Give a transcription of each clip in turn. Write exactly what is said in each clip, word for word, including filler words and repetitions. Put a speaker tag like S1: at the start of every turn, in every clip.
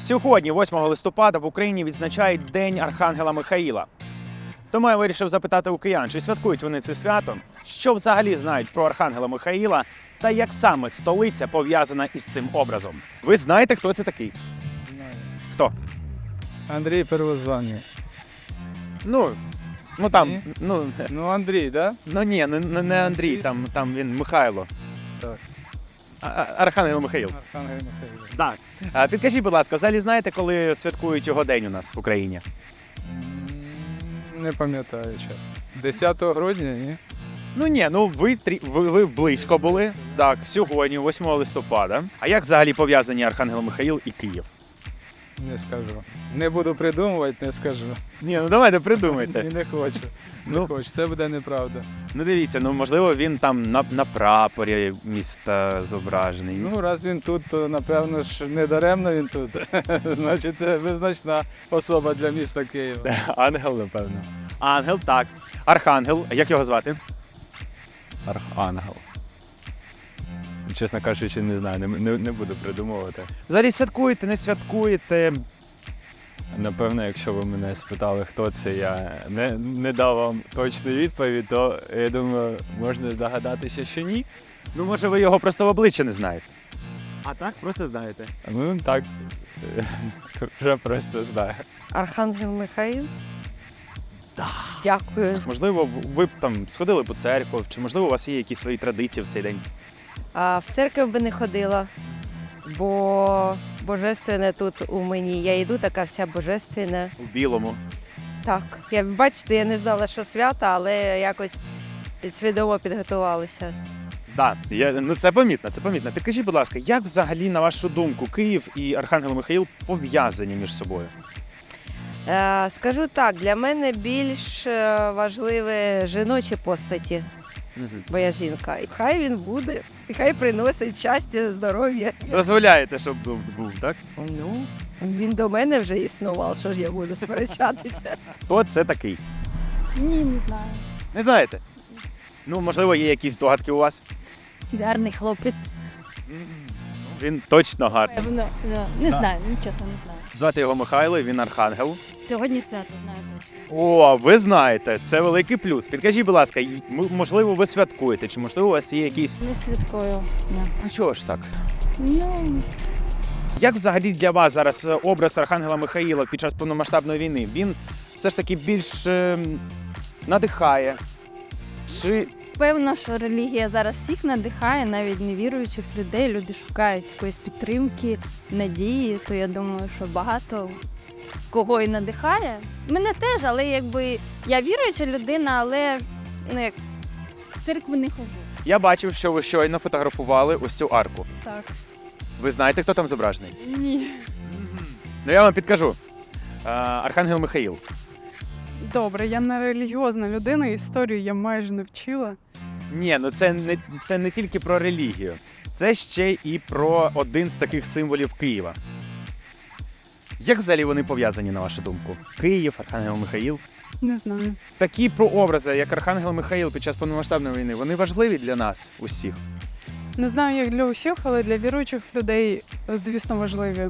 S1: Сьогодні, восьмого листопада, в Україні відзначають День Архангела Михаїла. Тому я вирішив запитати у киян, чи святкують вони це свято, що взагалі знають про Архангела Михаїла та як саме столиця пов'язана із цим образом. Ви знаєте, хто це такий?
S2: Знаю.
S1: Хто?
S2: Андрій Первозваний.
S1: Ну, ну там,
S2: Ні?
S1: ну,
S2: Ну, Андрій, да?
S1: ну ні, не, не- не Андрій, там, там він Михайло.
S2: Так.
S1: А- а- Архангел Михаїл.
S2: Архангел Михайло.
S1: Так. А підкажіть, будь ласка, взагалі знаєте, коли святкують його день у нас в Україні?
S2: М, Не пам'ятаю, чесно. десятого грудня, ні?
S1: Ну ні, ну ви, трі- ви, ви близько були. Так, сьогодні, восьмого листопада. А як взагалі пов'язані Архангел Михаїл і Київ?
S2: Не скажу. Не буду придумувати, не скажу.
S1: Ні, ну давайте
S2: І
S1: придумайте.
S2: не хочу. Не
S1: Ну,
S2: хочу, це буде неправда.
S1: ну дивіться, ну можливо він там на, на прапорі міста зображений.
S2: Ну, раз він тут, то напевно ж не даремно він тут. Значить, це визначна особа для міста Києва.
S1: Ангел, напевно. Ангел, так. Архангел. Як його звати?
S3: Архангел. Чесно кажучи, не знаю, не, не, не буду придумувати.
S1: Взагалі святкуєте, не святкуєте.
S3: Напевно, якщо ви мене спитали, хто це, я не, не дав вам точну відповідь, то я думаю, можна здогадатися, що ні.
S1: Ну, може, ви його просто в обличчя не знаєте. А так, просто знаєте.
S3: Ну так, вже просто знаю.
S4: Архангел Михаїл? Так. Дякую.
S1: Можливо, ви б там сходили по церкву, чи можливо у вас є якісь свої традиції в цей день?
S4: А в церкву би не ходила, бо божественне тут у мені. Я йду така вся божественна.
S1: У білому.
S4: Так, я бачите, я не знала, що свята, але якось свідомо підготувалася.
S1: Так, я, ну це помітно, це помітно. Підкажіть, будь ласка, як взагалі, на вашу думку, Київ і Архангел Михаїл пов'язані між собою?
S4: Е, скажу так, для мене більш е, важливі жіночі постаті, бо я жінка. І хай він буде, і хай приносить щастя, здоров'я.
S1: Дозволяєте, щоб був, був, так?
S4: Ну, він до мене вже існував, що ж я буду сперечатися.
S1: Хто це такий?
S5: Ні, не знаю.
S1: Не знаєте? Ну, можливо, є якісь здогадки у вас?
S5: Гарний хлопець.
S1: Він точно гарний.
S5: Певно, да. Не знаю, ну чесно, не знаю.
S1: Звати його Михайло, він архангел.
S5: Сьогодні свято знаю точно.
S1: О, ви знаєте, це великий плюс. Підкажіть, будь ласка, й- м- можливо, ви святкуєте, чи можливо у вас є якісь.
S5: Не святкую. Ні.
S1: А чого ж так?
S5: Ну,
S1: Як взагалі для вас зараз е, образ Архангела Михаїла під час повномасштабної війни? Він все ж таки більш е, надихає? Чи
S5: певно, що релігія зараз всіх надихає, навіть невіруючих людей. Люди шукають якоїсь підтримки, надії, то я думаю, що багато кого і надихає. Мене теж, але якби я віруюча людина, але ну, як, в церкву не ходжу.
S1: я бачив, що ви щойно фотографували ось цю арку.
S6: Так.
S1: Ви знаєте, хто там зображений?
S6: Ні.
S1: Ну я вам підкажу. Е, Архангел Михаїл.
S6: Добре, я не релігіозна людина, історію я майже не вчила.
S1: Ні, ну це не, це не тільки про релігію. Це ще і про один з таких символів Києва. Як взагалі вони пов'язані, на вашу думку? Київ, Архангел Михаїл.
S6: Не знаю.
S1: Такі прообрази, як Архангел Михаїл під час повномасштабної війни, вони важливі для нас усіх.
S6: Не знаю, як для усіх, але для віруючих людей, звісно, важливі.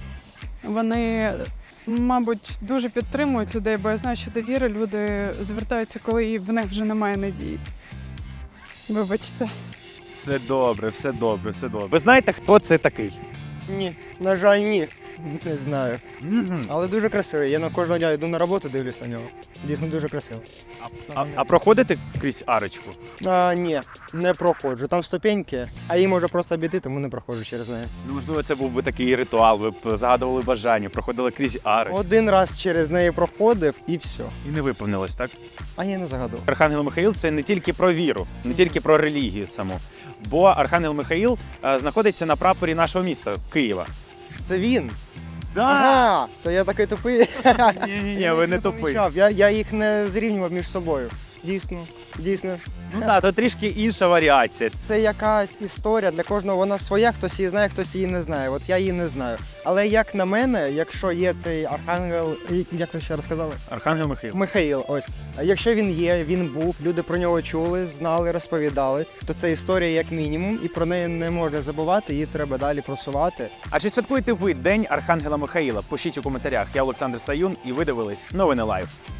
S6: Вони, мабуть, дуже підтримують людей, бо я знаю, що до віри люди звертаються, коли в них вже немає надії. Вибачте.
S1: Все добре, все добре, все добре. Ви знаєте, хто це такий?
S7: Ні, на жаль, ні. Не знаю. Але дуже красивий. Я на кожного дня йду на роботу, дивлюсь на нього. Дійсно дуже красиво.
S1: А, а проходите крізь арочку?
S7: А, ні, не проходжу. Там ступеньки, а її може просто обійти, тому не проходжу через неї.
S1: Ну, можливо, це був би такий ритуал, ви б загадували бажання, проходили крізь арочку.
S7: Один раз через неї проходив і все.
S1: І не виповнилось, так?
S7: А я не загадував.
S1: Архангел Михаїл – це не тільки про віру, не тільки про релігію саму. Бо Архангел Михаїл е, знаходиться на прапорі нашого міста, Києва.
S7: Це він. Ага, то я такий тупий.
S1: Ні-ні-ні, ви не тупий.
S7: Я, я їх не зрівнював між собою. Дійсно. Дійсно.
S1: Ну так, то трішки інша варіація.
S7: Це якась історія для кожного, вона своя, хтось її знає, хтось її не знає. От я її не знаю. Але як на мене, якщо є цей архангел, як ви ще розказали?
S1: Архангел Михаїл.
S7: Михаїл, ось. А якщо він є, він був, люди про нього чули, знали, розповідали, то це історія як мінімум, і про неї не можна забувати, її треба далі просувати.
S1: А чи святкуєте ви День Архангела Михаїла? Пишіть у коментарях. Я Олександр Саюн, і ви дивились Новини Лайв.